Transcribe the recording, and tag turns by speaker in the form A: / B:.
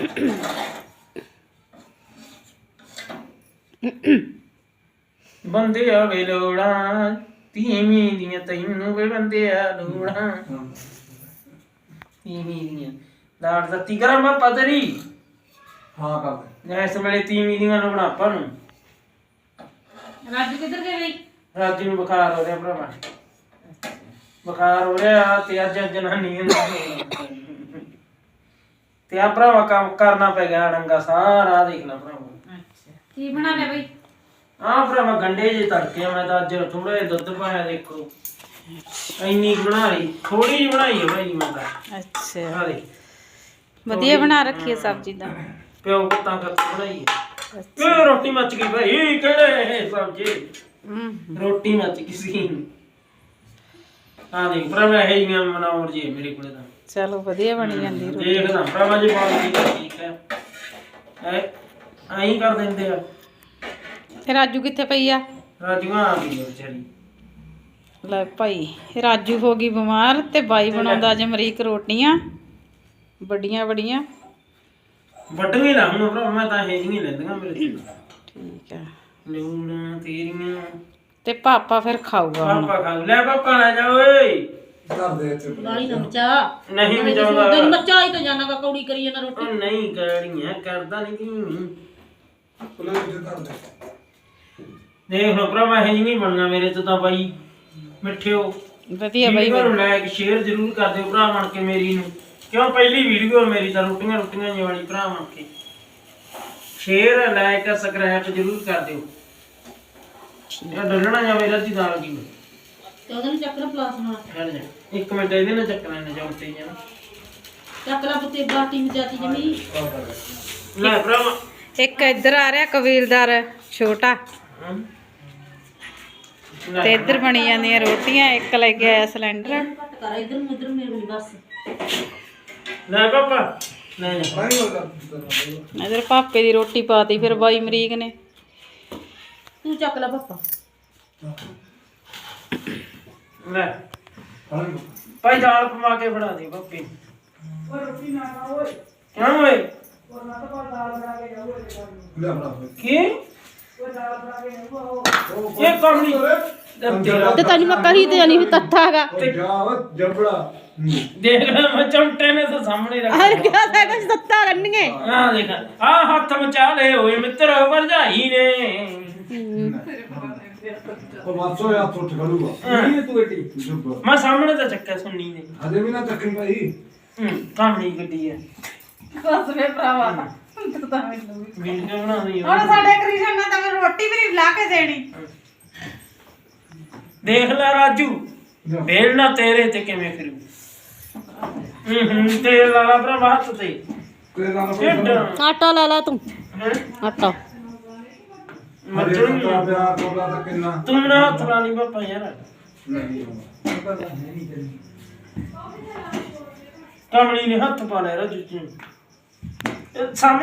A: ਬੰਦੇ ਆ ਵੇ ਲੋੜਾਂ ਤੀਵੀਂ ਦੀਆਂ ਤੈਨੂੰ ਵੇ ਬੰਦੇ ਆ ਲੋੜਾਂ ਤੀਵੀਂ ਦੀਆਂ ਲਾੜ ਦਿੱਤੀ ਕਰਾਂ ਮੈਂ ਪਦਰੀ
B: ਹਾਂ ਕਰ
A: ਇਸ ਵੇਲੇ ਤੀਵੀਂ ਦੀਆਂ ਲੋੜਾਂ ਆਪਾਂ ਨੂੰ
C: ਰਾਜੂ ਕਿੱਧਰ ਗਏ ਬਈ?
A: ਰਾਜੂ ਨੂੰ ਬੁਖਾਰ ਹੋ ਰਿਹਾ ਭਰਾਵਾ ਬੁਖਾਰ ਹੋ ਰਿਹਾ ਤੇ ਅੱਜ ਜਨਾਨੀ ਤੇ ਆ ਭਰਾਵਾ ਕੰਮ ਕਰਨਾ ਪੈ ਗਿਆ ਡੰਗਾ ਸਾਰਾ ਦੇਖ ਲੈ ਭਰਾਵਾ।
C: ਅੱਛਾ ਕੀ ਬਣਾ ਲਿਆ ਬਈ?
A: ਆਹ ਭਰਾਵਾ ਗੰਡੇ ਜੇ ਤੜਕੇ ਮੈਂ ਤਾਂ ਅੱਜ ਥੋੜਾ ਜਿਹਾ ਦੁੱਧ ਪਾਇਆ ਦੇਖੋ ਇੰਨੀ ਬਣਾ ਲਈ ਥੋੜੀ ਜਿਹੀ ਬਣਾਈ ਹੈ ਭਾਈ ਮੈਂ ਤਾਂ
C: ਅੱਛਾ
A: ਆ ਦੇ
C: ਵਧੀਆ ਬਣਾ ਰੱਖੀ ਹੈ ਸਬਜ਼ੀ ਦਾ
A: ਪਿਓ ਤਾਂ ਕਰਕੇ ਬਣਾਈ ਹੈ ਇਹ ਰੋਟੀ ਮੱਚ ਗਈ ਭਾਈ ਕਿਹੜੇ ਸਬਜ਼ੀ ਰੋਟੀ ਮੱਚ ਗਈ ਸੀ ਆ ਦੇਖ ਭਰਾਵਾ ਇਹ ਜੀਆਂ ਮਨਾਉਰ ਜੀ ਮੇਰੇ ਕੋਲੇ ਤਾਂ
C: ਚਲੋ ਵਧੀਆ ਬਣੀ ਜਾਂਦੀ ਰੋਟੀ
A: ਦੇਖਦਾ ਭਰਾਵਾ ਜੀ ਬਾਤ ਠੀਕ ਹੈ ਐਂ ਕਰ ਦਿੰਦੇ ਆ
C: ਤੇ ਰਾਜੂ ਕਿੱਥੇ ਪਈ ਆ?
A: ਰਾਜੂ ਆ ਗਈ ਵਿਚਾਰੀ
C: ਲੈ ਭਾਈ ਰਾਜੂ ਹੋ ਗਈ ਬਿਮਾਰ ਤੇ ਬਾਈ ਬਣਾਉਂਦਾ ਅੱਜ ਅਮਰੀਕ ਰੋਟੀਆਂ ਵੱਡੀਆਂ ਵੱਡੀਆਂ
A: ਵੱਡੀਆਂ ਲਾ ਹੁਣ ਭਰਾ ਮੈਂ ਤਾਂ ਇਹ ਨਹੀਂ ਲੈਂਦੀਆਂ ਮੇਰੇ ਤੋਂ
C: ਠੀਕ ਹੈ
A: ਲੂਣਾ ਤੇਰੀਆਂ
C: ਤੇ ਪਾਪਾ ਫਿਰ ਖਾਊਗਾ ਹੁਣ
A: ਪਾਪਾ ਖਾ ਲੈ ਪਾਪਾ ਲੈ ਜਾ ਓਏ
B: ਕਰ ਦੇ ਇੱਥੇ
D: ਗਾਲੀ ਨਾ ਮਚਾ
A: ਨਹੀਂ ਮਜਾਉਂਦਾ
D: ਤੈਨੂੰ ਮਚਾ ਹੀ ਤਾਂ ਜਾਣਾ ਵਾ ਕੌੜੀ ਕਰੀ ਜਾਂਦਾ ਰੋਟੀ
A: ਉਹ ਨਹੀਂ ਕੜੀਆਂ ਕਰਦਾ ਨਹੀਂ ਕੀ
B: ਪੁਲੇ ਵਿੱਚ ਕਰ ਦੇ
A: ਦੇਖ ਲੋ ਭਰਾ ਮੈਂ ਇਹ ਨਹੀਂ ਬਣਨਾ ਮੇਰੇ ਤੋਂ ਤਾਂ ਬਾਈ ਮਿੱਠਿਓ
C: ਵਧੀਆ ਬਾਈ
A: ਵੀਡੀਓ ਨੂੰ ਲਾਇਕ ਸ਼ੇਅਰ ਜ਼ਰੂਰ ਕਰ ਦਿਓ ਭਰਾ ਬਣ ਕੇ ਮੇਰੀ ਨੂੰ ਕਿਉਂ ਪਹਿਲੀ ਵੀਡੀਓ ਮੇਰੀ ਤਾਂ ਰੋਟੀਆਂ ਜਿਹੀ ਵਾਲੀ ਭਰਾ ਬਣ ਕੇ ਸ਼ੇਅਰ ਲਾਇਕ ਸਬਸਕ੍ਰਾਈਬ ਜ਼ਰੂਰ ਕਰ ਦਿਓ ਇਹ ਡੱਲਣਾ ਜਾਂ ਮੇਰਾ ਦੀ ਦਾਲ ਕੀ
D: ਤੇ ਉਹਦੇ ਨੂੰ ਚੱਕਰ ਪਲਾਸ ਨਾਲ
A: ਖੜ ਜਾ ਇੱਕ ਮਿੰਟ ਇਹਦੇ ਨਾਲ ਚੱਕਣਾ ਨੇ ਜੌਂਤੇ ਜਾਂ
D: ਚੱਕਲਾ ਪੁੱਤੇ ਬਾਟੀ ਮਚਾਤੀ ਜਮੀ
A: ਲੈ ਭਰਾ
C: ਇੱਕ ਇੱਧਰ ਆ ਰਿਹਾ ਕਬੀਲਦਾਰ ਛੋਟਾ ਤੇ ਇੱਧਰ ਬਣੀ ਜਾਂਦੀਆਂ ਰੋਟੀਆਂ ਇੱਕ ਲੈ ਕੇ ਆਇਆ ਸਿਲੰਡਰ
D: ਘੱਟ ਕਰ ਇਧਰ ਨੂੰ ਉਧਰ ਮੇਰੇ ਕੋਲ ਬਸ
A: ਲੈ ਪਾਪਾ ਲੈ ਜਾ
B: ਨਹੀਂ ਹੋ ਕਰ
C: ਇੱਧਰ ਪਾਪੇ ਦੀ ਰੋਟੀ ਪਾਤੀ ਫਿਰ ਬਾਈ ਅਮਰੀਕ ਨੇ
D: ਤੂੰ ਚੱਕ ਲੈ ਪਾਪਾ
A: ਲੈ
B: ਹਾਂ
A: ਭਾਈ ਦਾਲ ਪਵਾ ਕੇ ਫੜਾ ਦੇ ਪਾਪੇ ਓਏ ਰੋਟੀ ਨਾ ਖਾ ਓਏ ਕਿਉਂ ਓਏ ਉਹ ਨਾ ਤਾਂ ਦਾਲ ਬਣਾ ਕੇ ਜਾਓ
B: ਲੈ ਬਣਾ
A: ਕੀ ਉਹ ਦਾਲ ਬਣਾ ਕੇ ਜਾਓ ਇਹ ਕੰਮ ਨਹੀਂ
D: ਤੇ ਤੈਨੂੰ ਮੈਂ ਕਹੀ ਤੇ ਜਾਨੀ ਵੀ ਤੱਥਾ ਹੈਗਾ
B: ਜਾ ਜਬੜਾ
A: ਦੇਖ ਲੈ ਮੈਂ ਚਮਟੇ ਨੇ ਤਾਂ ਸਾਹਮਣੇ ਰੱਖ
D: ਹਰ ਕਿਆ ਤਾਂ ਕੁਝ ਤੱਤਾ ਕਰਨਗੇ
A: ਆ ਦੇਖ ਆ ਹੱਥ ਮਚਾ ਲਏ ਹੋਏ ਮਿੱਤਰ ਭਰਜਾਈ ਨੇ
B: ਉਹ ਮਾਸੋ ਯਾ ਟੁੱਟ ਗਲੂਗਾ ਇਹ ਤੂੰ ਏਟੀ ਜੁਬ
A: ਮੈਂ ਸਾਹਮਣੇ ਤਾਂ ਚੱਕਿਆ ਸੁਣਨੀ ਨੇ
B: ਹਜੇ ਵੀ ਨਾ ਚੱਕਣ ਭਾਈ
A: ਸਾਹਮਣੇ ਗੱਡੀ ਹੈ
C: ਬਸ ਵੇ ਭਰਾਵਾ ਤੂੰ ਤਾਂ ਮੈਨੂੰ
A: ਵੀਡੀਓ ਬਣਾਉਣੀ
C: ਹੁਣ ਸਾਡੇ ਕ੍ਰਿਸ਼ਨ ਨੇ ਤਾਂ ਮੈਨੂੰ ਰੋਟੀ ਵੀ ਨਹੀਂ ਲਾ ਕੇ ਦੇਣੀ
A: ਦੇਖ ਲੈ ਰਾਜੂ ਵੇਲ ਨਾ ਤੇਰੇ ਤੇ ਕਿਵੇਂ ਫਿਰੂ ਤੇਲ ਲਾਲਾ ਭਰਾ ਹੱਥ ਤੇ
B: ਕੋਈ ਨਾ
A: ਢਿੱਡ
D: ਆਟਾ ਲਾ ਲਾ ਤੂੰ
A: ਹੈਂ?
D: ਆਟਾ
B: ਮੱਜਣ ਦਾ ਪਿਆਰ ਕੋਲਾ ਤਾਂ ਕਿੰਨਾ
A: ਤੂੰ ਨਾ ਹੱਥ ਲਾ ਲਈ ਪਾਪਾ ਯਾਰ
B: ਨਹੀਂ
A: ਕਮਲੀ ਨੇ ਹੱਥ ਪਾ ਲਿਆ ਰਾਜੂ ਜੀ ਸਾਹਮਣੇ